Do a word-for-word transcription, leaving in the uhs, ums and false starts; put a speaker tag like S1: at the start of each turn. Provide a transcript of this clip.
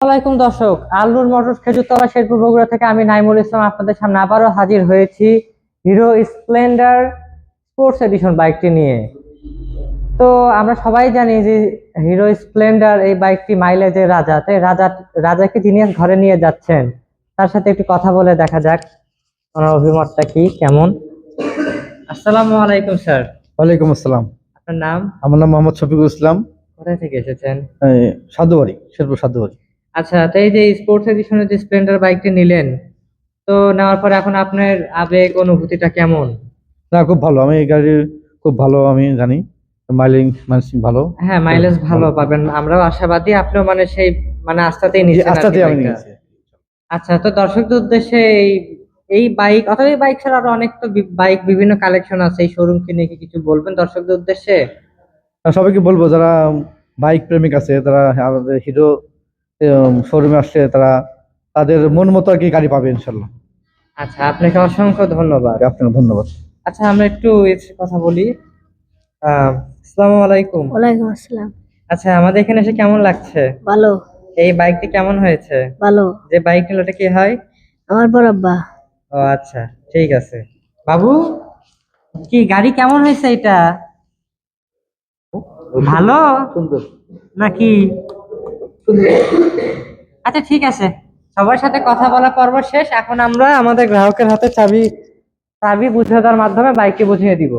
S1: আসসালামাইকুম দর্শক, আলনুর মোটরস খেজুরতলা শেরপুর বগুড়া থেকে আমি নাইমুল ইসলাম আপনাদের সামনে আবারও হাজির হয়েছি হিরো স্প্লেন্ডার স্পোর্টস এডিশন বাইকটি নিয়ে। তো আমরা সবাই জানি যে হিরো স্প্লেন্ডার এই বাইকটি মাইলেজের রাজা। তাই রাজা রাজাকে যিনি আজ ঘরে নিয়ে যাচ্ছেন তার সাথে একটু কথা বলে দেখা যাক ওনার অভিমতটা কি কেমন। আসসালামু আলাইকুম স্যার।
S2: ওয়ালাইকুম আসসালাম।
S1: আপনার নাম?
S2: আমার নাম মোহাম্মদ শফিকুল ইসলাম।
S1: কোথায় থেকে এসেছেন?
S2: এই, সাধুবাড়ি, শেরপুর সাধুবাড়ি।
S1: আচ্ছা, তো এই যে স্পোর্টস এডিশনের যে স্প্লেন্ডার বাইকটি নিলেন, তো নেওয়ার পরে এখন আপনার আবেগ অনুভূতিটা কেমন?
S2: না, খুব ভালো। আমি এই গাড়ি খুব ভালো, আমি জানি মাইলিং মাইলিং ভালো।
S1: হ্যাঁ, মাইলেজ ভালো পাবেন, আমরাও আশাবাদী। আপনিও মানে সেই মানে আস্থাতেই
S2: জি,
S1: নিচ্ছেন আর কি
S2: আস্তাতে আমি
S1: বাইকটা।
S2: নিয়েছি।
S1: আচ্ছা, তো দর্শকদের উদ্দেশ্যে এই এই বাইক অথবা এই বাইক ছাড়া আরো অনেক তো বাইক বিভিন্ন কালেকশন আছে, এই শোরুমকে নিয়ে কি কিছু বলবেন দর্শকদের উদ্দেশ্যে?
S2: আর সবাইকে বলবো যারা বাইক প্রেমিক আছে, তারা আমাদের হিরো শোরুমে আসছে, তারা তাদের মন মতো আর কি গাড়ি পাবে ইনশাল্লাহ।
S1: আচ্ছা, আপনাকে অসংখ্য ধন্যবাদ।
S2: আপনাকে ধন্যবাদ।
S1: আচ্ছা, আমরা একটু এর কথা বলি। আহ আসসালামু আলাইকুম।
S3: ওয়ালাইকুম আসসালাম।
S1: আচ্ছা, আমাদের এখানে এসে কেমন লাগছে?
S3: ভালো।
S1: এই বাইকটি কেমন হয়েছে?
S3: ভালো।
S1: যে বাইক নিল ওটা কি হয়?
S3: আমার বড় আব্বা।
S1: ও আচ্ছা, ঠিক আছে। বাবু, কি গাড়ি কেমন হয়েছে এটা? ভালো
S2: সুন্দর।
S1: নাকি? আচ্ছা, ঠিক আছে। সবার সাথে কথা বলা পর্ব শেষ, এখন আমরা আমাদের গ্রাহকের হাতে চাবি চাবি বুঝিয়ে দেওয়ার মাধ্যমে বাইককে বুঝিয়ে দিব।